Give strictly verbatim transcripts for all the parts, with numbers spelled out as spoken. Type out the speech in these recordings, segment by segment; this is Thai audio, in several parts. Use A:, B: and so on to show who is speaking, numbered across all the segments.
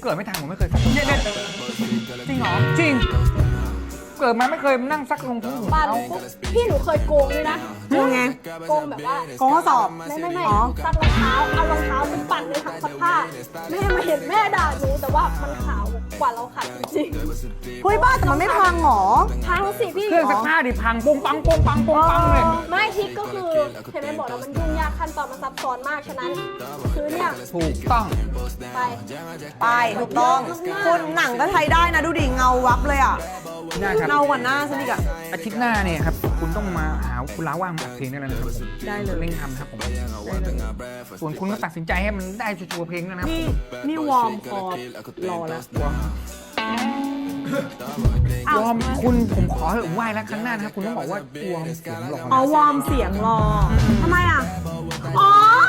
A: เกิดไม่ทันผมไม่เคยซักเนี่ยเนี่ย
B: จริงเหรอ
A: จริงเกิดมาไม่เคยนั่งซักรองเท้า
C: บ้านปุ๊บพี่หนูเคยโกงด้วยนะ
B: โกงไง
C: โกงแบบว่า
B: โกงข้อสอบ
C: ไม่ไม่ไม่
B: อ๋อ
C: ซักรองเท้าเอารองเท้าไปปั่นในถังซักผ้าแม่มาเห็นแม่ด่าหนูแต่ว่ามันขาวกว่าเราขัดจริง
B: เฮ้ยบ้าแต่มันไม่พังหรอ
C: ๆพังสิพี่
A: เครื่องซักผ้าดิพังปงปังปงปังปงปังเลย
C: ไม่ทิกก็คือเห็นไหมบอกแล้วมันยุ่งยากขั้นตอนมันซับซ้อนมากฉะนั้นคือเนี่ย
A: ถูกต้อง
C: ไป
B: ไปถูกต้องคุณหนังก็ใช้ได้นะดูดิเงาวับเลยอ่ะ
A: ได้ครับ
B: เงากว่าหน้าฉันอีกอ่ะ
A: อาทิตย์หน้าเนี่ยครับคุณต้องมาหาคุณล้าว่างมาอัดเพลงได้แล้วนะครับผม
B: ได้เลย
A: เร่งทำครับผมส่วนคุณก็ตัดสินใจให้มันได้ชัวร์ๆเพลงแล้วนะครับ
B: นี่นี่วอร์มคอรอแล้ว
A: วอร์มวอร์มคุณผมขอเถอะไหว้แล้วครั้งหน้านะครับคุณต้องบอกว่าวอร์มเสียงหล่อ
B: อ๋อ
A: นะ
B: วอร์มเสียงรอทำไมอ่ะอ๋อ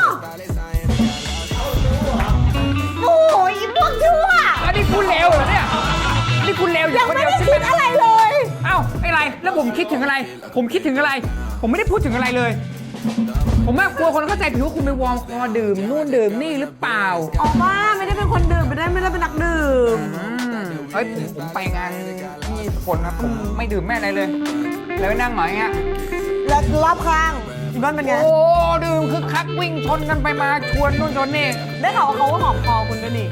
B: โอ้ยพวกชั่ว
A: อันนี้คุณเลวเหรอเนี่ยนี่คุณเลวอยู่
B: ยัง
A: คน
B: ไม่
A: เดียว
B: ได้
A: ใช่
B: คิด
A: ไหม
B: อะไรเลย
A: เอ้าไอ้ไรแล้วผมคิดถึงอะไร ผมคิดถึงอะไร ผมไม่ได้พูดถึงอะไรเลย ผมว่ากลัวคนเข้าใจผิดว่าคุณไปวอร์มคอดื่มนู่นดื่มนี่หรือเปล่า
B: อ๋อบ้าไม่ได้เป็นคนดื่มไม่ได้ไม่ได้เป็นนักดื่ม
A: อืมเฮ้ยผมผมไปงานที่สกลครับผมไม่ดื่มแม่อะไรเลยเลยนั่งหน่อยเงี้ย
B: แล้วรอบข้างอีบ้านเป็นไง
A: โอ้ดื่มคึกคักวิ่งชนกันไปมาชวนนู่นชนนี่
B: ได้ข่าวว่าเขาก็หอมคอคุณด้วยนี่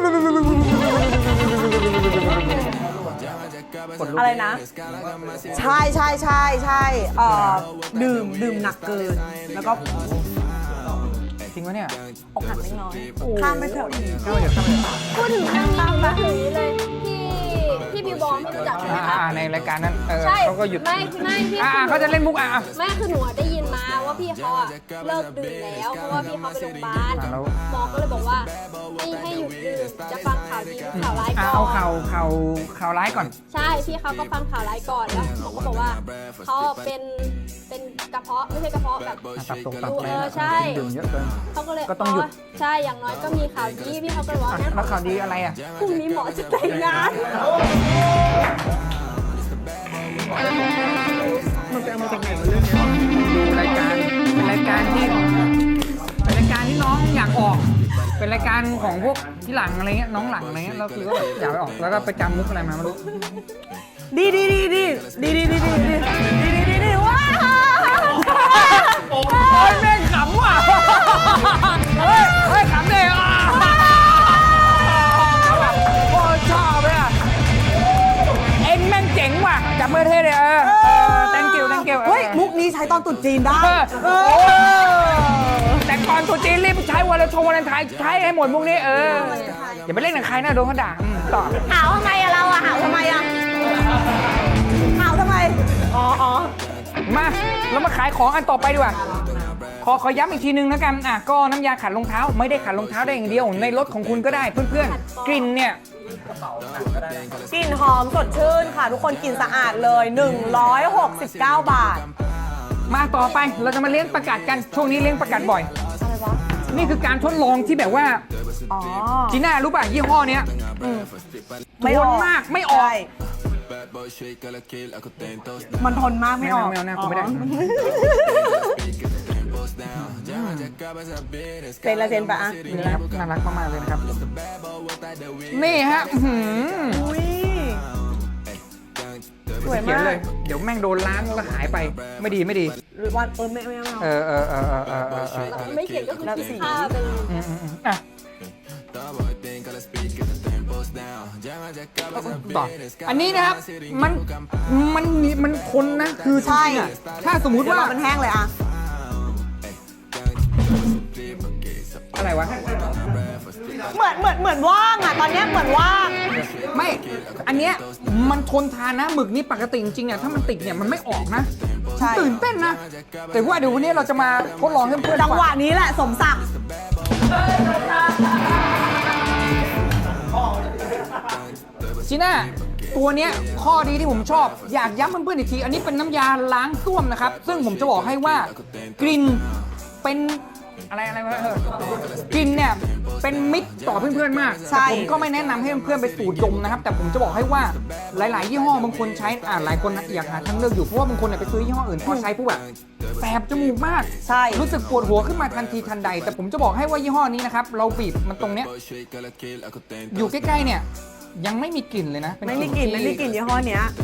B: อะไรนะ ใช่ใช่ใช่ใช่เอ่อดื่มดื่มหนักเกิน แล้วก็
A: จริงปะเนี่ย
B: อกหักเล็กน้อยข้ามไปเถอะ
A: เข้าไปเดี๋ยวเข้าไปเดี๋ยว
C: พูดถึงเรื่องนี้นึกถึงนี้เลยพี่พี่บิวบอมพี่รู้จักใช่ไหม
A: อ่า
C: คะ
A: อ่าในรายการนั้นเออ
C: ใช่
A: เขาก็หยุด
C: ไม่ไม่พี่
A: อ่า
C: คือ
A: เขาจะเล่นมุกอ่ะอ่ะ
C: ไม่คือหนูอะได้ยินมาว่าพี่เขาอะเลิกดื่มแล้วเพราะว่าพี่เขาไปโรงพยาบาล
A: อ่าแล้ว
C: หมอก็เลยบอกว่าให้ให้หยุดดื่มจะฟังข่าวดีหรือข่าวร้าย
A: อ่ะ
C: ก่อน
A: เอาข่าวข่าวข่าวร้ายก่อน
C: ใช่พี่เขาก็ฟังข่าวร้ายก่อนแล้วหมอก็บอกว่าเขาเป็นเป็นกระเพาะไม่ใช่กระเพาะแบบ
A: อ่ะตับตกตับ
C: เอ
A: อะไร
C: อใช่
A: ดื่มเยอะเกิน
C: เขาก็เลย
A: ก็ต้องหยุด
C: ใช่อย่างน้อยก็มีข่าวดีพี่เขาก็เลยว่า
A: อ่ะ
C: งั้น
A: แล้วข่าวดีอะไรอ่ะ
C: พรุ่งนี้หมอจะแต่งงาน
B: มันไปเอามาจากไหนวะเรื่องนี้
A: ดูรายการเป็นรายการที่เป็นรายการที่น้องอยากออก เป็นรายการของพวกที่หลังอะไรเงี้ยน้องหลังอะไรเงี้ยเราคือก็แบบอยากไปออกแล้วก็ไปจำมุกอะไรมาไม่รู้
B: ดีดีดีดีดีดีดีดีดีดีดีดีดีว้าว
A: โอ้ยแม่งขำว่ะเฮ้ยเฮ้ยขำเลยอ่ะโอ้ยชอบเลยอ่ะเอ็งแม่งเจ๋งว่ะจับมือเท่เลยเออเออ thank you thank you
B: เฮ้ยมุกนี้ใช้ตอนตรุษจีนได้
A: เออเออแต่ก่อนตัวจีนรีบใช้วันละชงวันละไทยใช้ให้หมดมุกนี้เอออย่าไปเล่นกับใครนะโดนเขาด่าอืมต่อ
B: หาวทำไมอะเราอะหาวทำไมอะหาวทำไมอ๋ออ๋อ
A: มาเรามาขายของอันต่อไปดีกว่าขอขอย้ำอีกทีนึงแล้วกันอ่ะก็น้ำยาขัดรองเท้าไม่ได้ขัดรองเท้าได้อย่างเดียวในรถของคุณก็ได้เพื่อนๆกลิ่นเนี่ย
B: กลิ่นหอมสดชื่นค่ะ ทุกคนกลิ่นสะอาดเลยหนึ่งร้อยหกสิบเก้าบาท
A: มาต่อไปเราจะมาเลี้ยงประกาศกันช่วงนี้เลี้ยงประกาศบ่อย
B: อะไรวะ
A: นี่คือการทดลองที่แบบว่า
B: อ๋อ
A: จีน่ารู้ป่ะยี่ห้อเนี้ย
B: ไม่ออก
A: ทนมากไม่ออก
B: ใช่มันทนมากไม่ออก
A: ไม่เอาไม่เอาไม่เอาไม่ได้
B: เซนละเซนปะอะ
A: นี่ครับน่ารักมากๆเลยนะครับนี่ฮะอื้อหือ
B: อุ้ยสวย
A: เขียน
B: มาก
A: เลยเดี๋ยวแม่งโดนล้างแล้วหายไปไม่ดีไม่ดี
B: หรือวันเออไม่ไม่ไม่
A: เอ
B: เอา
A: อเออเออเออเออเออเออ
C: ไม่เขียนก็คือคิดค่าไปเลย
A: อืมอืมอืมอ่ะต่ออันนี้นะครับมันมันมีมันทนนะคือจริงๆอ่ะถ้าสมมุติ
B: เดี๋ยว
A: ว่า
B: รอมันแห้งเลยอะ
A: อะไรวะ
B: เหมือนเหมือนเหมือนว่างอะตอนเนี้ยเหมือนว่าง
A: ไม่อันเนี้ยมันทนทานนะหมึกนี่ปกติจริงๆเนี่ยถ้ามันติดเนี่ยมันไม่ออกนะ
B: ใช่
A: ตื่นเต้นนะ แต่ว่าเดี๋ยววันนี้เราจะมาทดลองให้เพื่อนๆ
B: จังหวะ
A: ฟั
B: นี้แหละสมศักดิ์
A: จีน่าตัวเนี้ยข้อดีที่ผมชอบอยากย้ำเพื่อนๆอีกที อันนี้เป็นน้ำยาล้างส้วมนะครับ ซึ่งผมจะบอกให้ว่ากลิ่นเป็นอะไรอะไรวะเออกลิ่นเนี่ยเป็นมิตรต่อเพื่อนๆมากแต่ผมก็ไม่แนะนำให้เพื่อนๆไปสูดดมนะครับ แต่ผมจะบอกให้ว่าหลายๆยี่ห้อบางคนใช้อ่าหลายคนอยากหาทางเลือกอยู่เพราะว่าบางคนเนี่ยไปซื้อยี่ห้ออื่นพอใช้ปุ๊บแบบแสบจมูกมาก
B: ใช่
A: รู้สึกปวดหัวขึ้นมาทันทีทันใด แต่ผมจะบอกให้ว่ายี่ห้อนี้นะครับเราบีบมันตรงเนี้ยอยู่ใกล้ๆเนี่ยยังไม่มีกลิ่นเลยนะเป็น
B: ไม่มีกลิ่น
A: ที่
B: ไม่มีกลิ่นยี่ห้อเนี้ย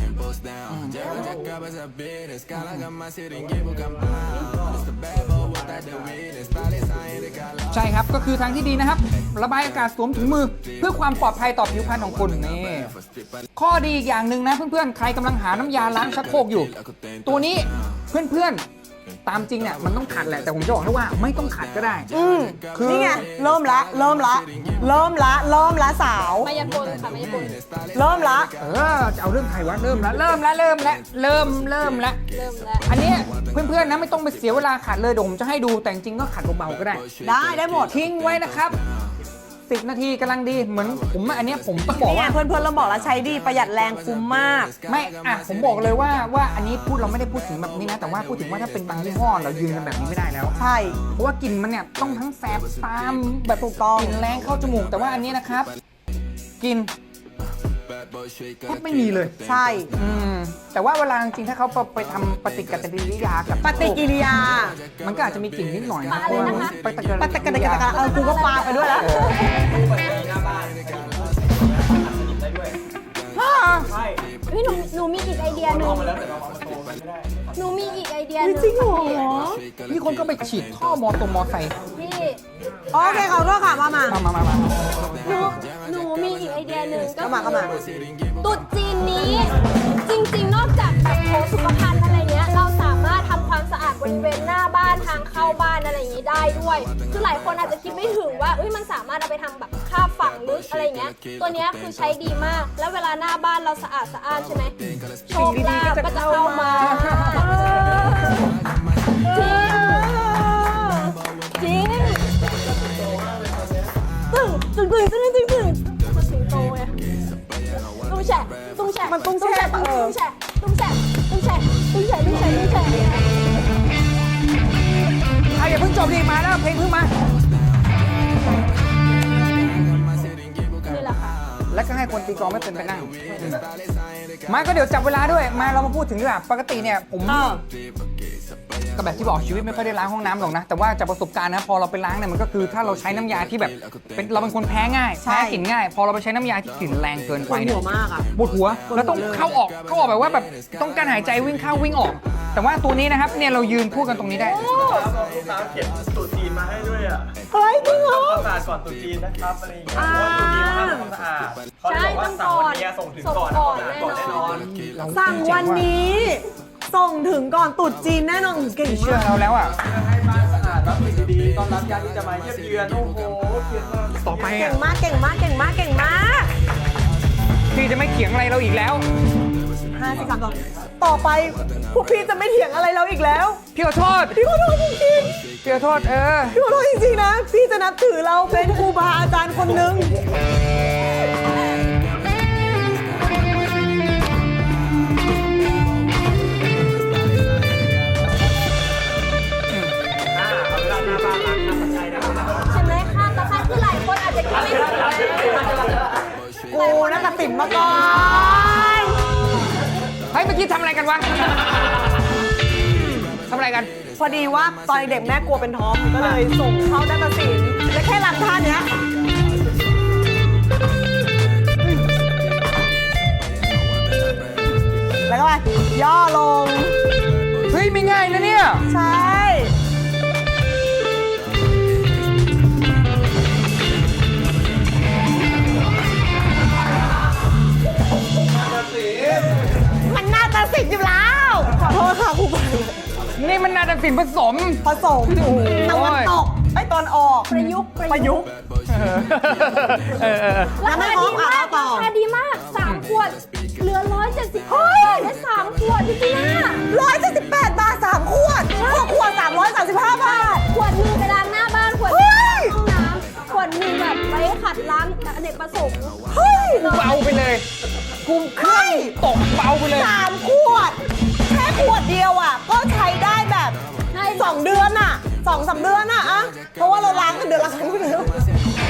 A: ใช่ครับก็คือทางที่ดีนะครับ ระบายอากาศสวมถุงมือ เพื่อความปลอดภัยต่อผิวพรรณของคุณนี่ข้อดีอีกอย่างหนึ่งนะเพื่อนๆใครกำลังหาน้ำยาล้างชักโครกอยู่ ตัวนี้เพื่อนๆตามจริงเนี่ยมันต้องขัดแหละแต่ผมจะบอกให้ว่าไม่ต้องขัดก็ได้
B: อืม
A: คือ
B: นี่ไงเริ่มละเริ่มละเริ่มละเริ่มละสาว
C: มายากลค่ะมายากล
B: เริ่มละ
A: เออจะเอาเรื่องใครวะเริ่มแล้วเริ่มแล้วเริ่มแล้วเริ่มเริ่มแล้ว
C: เริ่มแล้ว
A: อันเนี้ยเพื่อนๆนะไม่ต้องไปเสียเวลาขัดเลยเดี๋ยวผมจะให้ดูแต่จริงๆก็ขัดเบาๆก็ได้
B: ได้ได้หมด
A: ทิ้งไว้นะครับสิบนาทีกำลังดีเหมือนผมอันเนี้ยผมต้องบอก
B: นี่ไง
A: ว่า
B: เพื่อนเพื่อนๆเราบอกแล้วใช้ดีประหยัดแรงคุ้มมาก
A: ไม่อ่ะผมบอกเลยว่าว่าอันนี้พูดเราไม่ได้พูดถึงแบบนี้นะ แต่ว่าพูดถึงว่าถ้าเป็นบางยี่ห้อเรายืนกันแบบนี้ไม่ได้แล้ว
B: ใช่
A: เพราะว่ากลิ่นมันเนี่ยต้องทั้งแสบตามแบบ
B: ถูกต้อง
A: กลิ่นแรงเข้าจมูกแต่ว่าอันนี้นะครับกลิ่นแทบไม่มีเลย
B: ใช่
A: อืมแต่ว่าเวลาจริงๆถ้าเขาไปทำปฏิกิริยากับ
B: ปฏิกิริยา
A: มันก็อาจจะมีกลิ่นนิดหน่อยนะ
C: ปาอะไรนะคะ
A: ปฏิกิริยา
B: ปฏิกิริยาเออกูก็ปาไปด้วยแล้ว
C: เฮ้ยหนูหนูมีอีกไอเดียหนึ่งหนูมีอีกไอเดียหนึ่ง
B: จริงเหรอ
A: มีคนก็ไปฉีดท่อมอตรงมอไซค์
C: พี่
B: โอเคขอโทษค่ะมามา
A: มามามามา
C: หนูหนูมีอีกไอเดียหนึ่งก็
B: เข้ามาเข้ามา
C: ตุ๊ดจีนนี้ จริงๆ นอกจากแบบโถสุขภัณฑ์อะไรเงี้ยเราสามารถทำความสะอาดบริเวณหน้าบ้านทางเข้าบ้านอะไรอย่างนี้ได้ด้วยคือหลายคนอาจจะคิดไม่ถึงว่าเอ้ยมันสามารถเอาไปทำแบบคาบฝังลึกอะไรเงี้ยตัวเนี้ยคือใช้ดีมากแล้วเวลาหน้าบ้านเราสะอาดสะอาดใช่ไหมโชคลาภก็จะเข้ามาจริงจริงตึ้งตึ้งตึ้งตึ้งตึ้งตึ้งมันสิงโตไงตุ้งแฉะตุ้งแฉะ
B: มันตุ้งแช่
C: ตุ้ง
B: เออ
C: แฉะตุ้งแฉะตุ้งแฉะตุ้งแฉะตุ้งแฉะตุ้งแฉะ
A: อ่ะอย่าเพิ่งจบดิมาแล้วเพลงเพิ่งมา
C: นี่แหละค่ะ
A: แล้วก็ให้คนตีกลองไม่เป็นไปนั่งมาก็เดี๋ยวจับเวลาด้วยมาเรามาพูดถึงดีกว่าปกติเนี่ยผม
B: อ่า
A: ก็แบบที่บอกชีวิตไม่ค่อยได้ล้างห้องน้ำหรอกนะแต่ว่าจากประสบการณ์นะพอเราไปล้างเนี่ยมันก็คือถ้าเราใช้น้ำยาที่แบบเป็นเราเป็นคนแพ้ง่าย
B: ใช่
A: แพ้กลิ่นง่าย พอเราไปใช้น้ำยาที่กลิ่นแรงเกิน
B: ป
A: ไป
B: วด
A: เนี่
B: หั
A: ยว
B: มากอ่ะ
A: ปวดหัวแล้วต้องเข้าออกเข้าออกแบบว่าแบบต้องการหายใจวิ่งเข้าวิ่งออก แต่ว่าตัวนี้นะครับเนี่ยเรายืนพูดกันตรงนี้ได้
D: ลูกค้าเขียนสูตรจีนมาให้ด้วยอ่ะ
B: เฮ้ยจริงเหรอ
D: ทำความสะอาดก่อนตรุษจีนนะครับอะไรอย่างเงี้ยเพราะว่าตรุษจีนเขาทำความสะอาดเขาเลยบอกว่าสั่งวันนี้ส่งถึงก่อน
C: ส่งก่อน
D: ก่อนแน่นอน
B: สั่งวันนี้ ส่งถึงก่อนตรุษจีนแน่นอนเก่ง
A: เชื่อ
B: มาก
A: เราแล้วอ่ะ
D: ให้บ้านสะอาดรับสิ่งดีๆต้อนรับญาติที่จะมาเยี่ยมเยือนโอ้โหเขียนมา
A: ต่อไป
B: เก่
A: อ่ะ
B: งมากเก่งมากเก่งมากเก่งมาก
A: พี่จะไม่เถียงอะไรเราอีกแล้ว
B: ห้าสิบสามต่อต่อไปพวกพี่จะไม่เถียงอะไรเราอีกแล้ว
A: พี่ขอโทษ
B: พี่ขอโทษจริง
A: พี่ขอโทษเออ
B: ๆพี่ขอโทษจริงๆนะ พี่จะนับถือเราเป็นครูบาอาจารย์คนหนึ่ง
D: อ่าเอาเวลาหน้าบ้านล้างน้ำใจนะครับ
C: ใช่ไหมคะตะไคร้คือหลายคนอาจจะคิดไม่ถึง
B: กูนักตัดสินมาก่อน
A: เฮ้ยเมื่อกี้ทำอะไรกันวะทำอะไรกัน
B: พอดีว่าตอนเด็กแม่กลัวเป็นทอมก็เลยส่งเข้านักตัดสินและแค่รำท่าเนี้ยแล้วก็ไปย่อลง
A: เฮ้ยไม่ง่ายนะเนี่ย
B: ใช่ มันน่าจะสิทธิ์อยู่แล้ว ขอโทษค่ะครูบา
A: นี่มันนาฏศิลป์ผสม
B: ผสมตะวันตกไอ้ตอนออก
C: ประยุกต์
B: ประยุกต์
A: เออเออเออ
C: ราคาดีมาก
B: ต่อ
C: ราคาดีมากสามขวด เหลือร้อยเจ็ดสิบห้าบาทได้สามขวดพี่จีน่า
B: ร้อยเจ็ดสิบแปดบาทสามขวดหกขวดสามร้อยสามสิบห้าบาท
C: ขวดหนึ่งไปล้างหน้าบ้านขวดห
B: เฮ้
C: นึ่ง
B: ย
C: ห้องน้ำขวดหนึ่งแบบไว้ขัดล้างอเนกประสงค์
B: เฮ้ย
A: กูเบาไปเลยกูเครื่องตกเบาไปเลย
B: สามขวด แค่ขวดเดียวอ่ะ ก็ใช้ได้แบบสองเดือนอ่ะสองสามเดือนอ่ะอะเพราะว่าเราล้างกันเดือนละครั้งอยู่แล้ว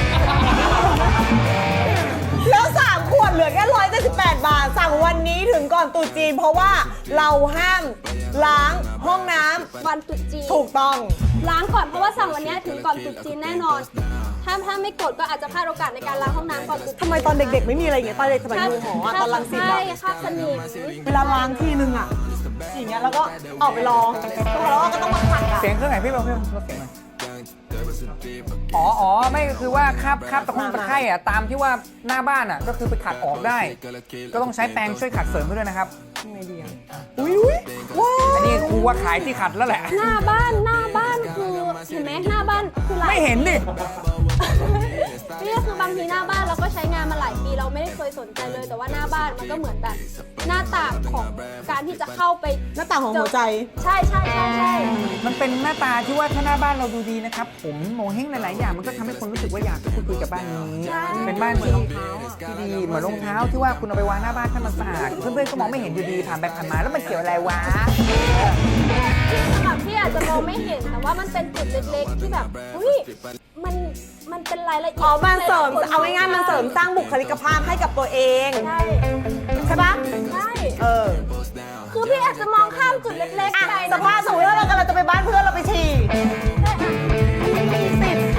B: แล้วสามขวดเหลือแค่ร้อยเจ็ดสิบแปดบาท สั่งวันนี้ถึงก่อนก่อนตรุษจีนเพราะว่าเราห้ามล้างห้องน้ำ
C: วันตรุษจีน
B: ถูกต้อง
C: ล้างก่อนเพราะว่าสั่งวันเนี้ยถึงก่อนตรุษจีนแน่นอน ถ้าถ้าไม่กดก็อาจจะพลาดโอกาสในการล้างห้องน้ำก่อนตรุษจีน
B: ทำไมตอนเด็กๆไม่มีอะไรอย่างเงี้ยตอนเด็กสมัยอยู่หออะตอนรังสิต
C: ใช่
B: อะ
C: คราบสนิม
B: เวลาล้างทีนึงอะอย่างเงี้ยแล้วก็ออกไปรอแล้วก็ต้องมาขัดอะ
A: เสียงเครื่องไหนพี่เบลพี่ลดเสียงหน่อยอ๋ออ๋อไม่ก็คือว่าคราบคราบตะคุ่งตะไคร่อะตามที่ว่าหน้าบ้านอะก็คือไปขัดออกได้ ก็ต้องใช้แปรงช่วยขัดเสริมด้วยนะครับ
B: ไงดีอะอุ้ยอุ้ยว้าว
A: อันนี้ครูว่าขายที่ขัดแล้วแหละ
C: หน้าบ้านหน้าบ้านคือเห็นไหมหน้าบ้านคือหลาย
A: ไม่เห็นดิ
C: นี่คือบางทีหน้าบ้านเราก็ใช้งานมาหลายปีเราไม่ได้เคยสนใจเลย แต่ว่าหน้าบ้านมันก็เหมือนแบบหน้าต่างของการที่จะเข้าไป
B: หน้าต่างของหัวใจ
C: ใช่ใช่ใช่ใช่
A: มันเป็นหน้าตาที่ว่าถ้าหน้าบ้านเราดูดีนะครับ ผมโมเห้งหลายๆอย่างมันก็ทำให้คนรู้สึกว่าอยากพูดคุยกับบ้านนี้ เป็นบ้านที่ที่ดีเหมือนรองเท้าที่ว่าคุณเอาไปวางหน้าบ้านถ้ามันสะอาดเพื่อนๆก็มองไม่เห็นอยู่ดีผ่านไปผ่านมาแล้วมันเกี่ยวอะไรวะ
C: สำหรับที่อาจจะมองไม่เห็นแต่ว่ามันเป็นจุดเล็กๆที่แบบอุ้ยมันมันเป็นรายละเอียด
B: อ๋อมันเสริมเอาง่ายๆมันเสริมสร้างบุคลิกภาพให้กับตัวเอง
C: ใช่
B: ใช่ปะ
C: ใช่
B: เออ
C: คือพี่อาจจะมองข้ามจุดเล็ก
B: อ่ะ
C: ๆไป
B: สภาพสมมติว่าเรากำลังจะไปบ้านเพื่อนเราไปฉี่
C: ได้อ่ะมันมีสิทธิ์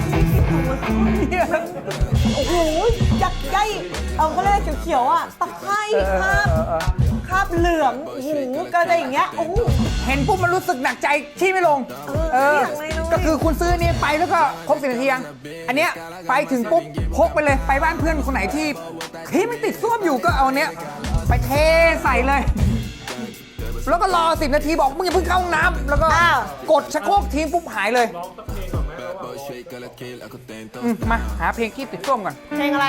B: โอ้โหยักษ์ใหญ่เอาเขาเรียกเขียวๆอ่ะตะไคร้คราบคราบเหลืองโอ้โหกระไรอย่างเงี้ยโอ้โห
A: เห็นปุ๊บมันรู้สึกหนักใจที่ไม่ลง
B: เออไม่อยากเลย
A: ก็คือคุณซื้ออนนี้ไปแล้วก็ครบสิบนาทียังอันเนี้ยไปถึงปุ๊บพกไปเลยไปบ้านเพื่อนคนไหนที่ที่มันติดส้วมอยู่ก็เอาเนี้ยไปเทใส่เลย แล้วก็รอสิบนาทีบอกมึงอย่าเพิ่งเข้าห้องน้ำแล้วก็กดชักโครกทิ้งปุ๊บหายเลยอืมมาหาเพลงที่ติดส้วมก่อน
B: เพลงอะไร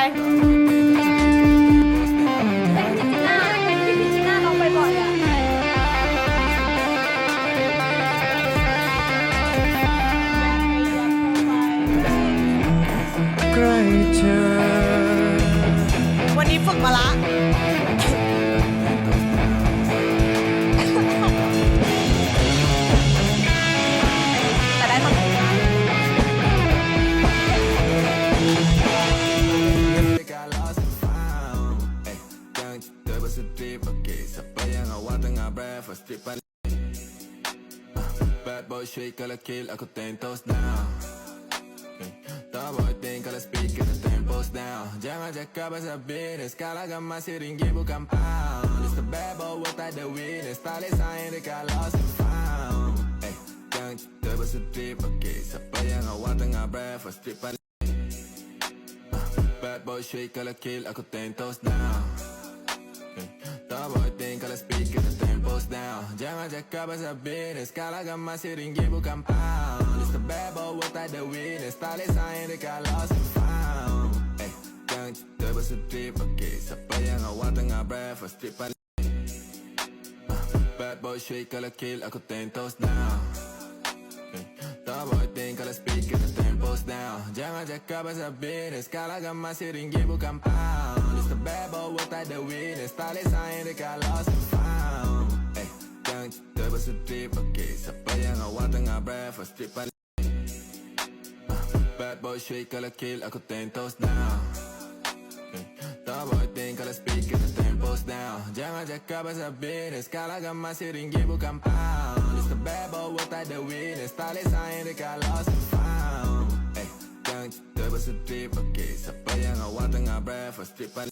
C: เป็นพิจิน่าเป็นพี่พิจิน่าลองไปบ่อยอ่ะ
A: ใกล้เธอ
B: วันนี้ฝึกมาละแต่ได้ทำ
E: Bad boy shake la kill ako tentos now Top boy think la speak the tempos down Jangan cakap pasal business Kalau gamma siringi bukan pound It's the bad boy what I the witness Tali sayang dekat lost and found Eh, jangan cerita pasal trip okay Siapa yang awak tengah breakfast trip paling Bad boy shake la kill ako tentos now Top boy think la speak the tempos down Jangan cakap pasal business Kalau gamma siringi bukan pound It's the bad boy what I the witness Tali sayang dekat lost and found Eh, jangan cerita pasal trip okay Siapa yang awak tengah breakfast trip paling Bad boy shake la kill ako tentos now Top boy think la speak the tempos down Jangan cakap pasal business Kalau gamma siringi bukan pound It's the bad boy what I the witness Tali sayang dekat lost and found Eh, jangan cerita pasal trip okay Siapa yang awak tengah breakfast trip paling Bad boy shake la kill ako tentos now Top boy think la speak the tempos down Jangan cakap pasal business Kalau gamma siringi bukan pound It's the bad boy what I the witness Tali sayang dekat lost and found Eh, jangan cerita pasal trip okay Siapa yang awak tengah breakfast trip paling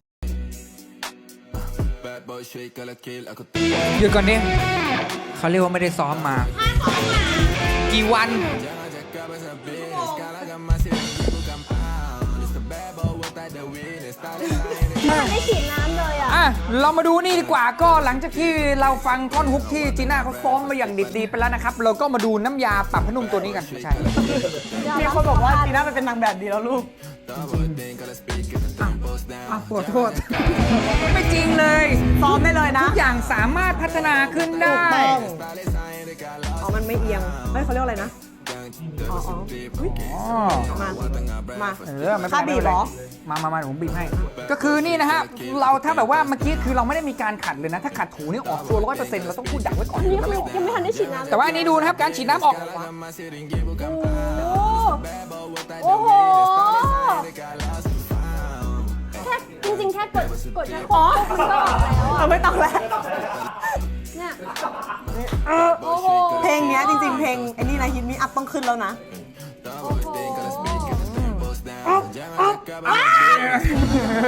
E: Bad boy shake la kill ako tentos
A: หยุดก่อนดิเขาเรียกว่าไม่ได้ซ้อมมา กี่วัน
E: Jangan cakap pasal business Kalau gamma siringi bukan pound It's the bad boy what I the witness Tali sayang dekat
C: ไม่ได้ฉีดน้ำเลยอ่ะ
A: อ่ะเรามาดูนี่ดีกว่าก็หลังจากที่เราฟังท่อนฮุกที่จีน่าเขาซ้อมมาอย่างดิบดีไปแล้วนะครับ เราก็มาดูน้ำยาปรับผ้านุ่มตัวนี้กันไม่ใช่
B: มีคนบอกว่าจีน่าไปเป็นนางแบบดีแล้วลูก
E: Top boy think la speak the tempos down
A: อ่ะขอโทษ ไม่จริงเลย
B: ซ้อมได้เลยนะ
A: ทุกอย่างสามารถพัฒนาขึ้นได้
B: ถูกต้องอ๋อ มันไม่เอียงเฮ้ยเขาเรียกอะไรนะ อ๋ออ๋ออุ๊ย
A: อ๋อ
B: มา มา
A: เออไม่เป็นไร
B: ค่าบีบเหรอ
A: มามามาเดี๋ยวผมบีบให้ ก็คือนี่นะฮะ เราถ้าแบบว่าเมื่อกี้คือเราไม่ได้มีการขัดเลยนะ ถ้าขัดถูนี่ออกตัวร้อยเปอร์เซ็นต์เราต้องพูดดักไว้ก่อน
C: อันนี้คือยังไม่ทันได้ฉีดน้ำเลย
A: แต่ว่าอันนี้ดูนะครับ การฉีดน้ำออก
C: โอ้โห โอ้โห แค่จริงๆ แค่กดกดชักโครกปุ๊บมันก็ออกแล้ว
B: เอา
C: อ่ะ
B: ไม่ต้องแล้ว
C: เนี่ย
B: โอ้โหเพลงเนี้ยจริงๆเพลงไอ้นี่นะฮิตมีอัพต้องขึ้นแล้วนะ
C: โอ้โห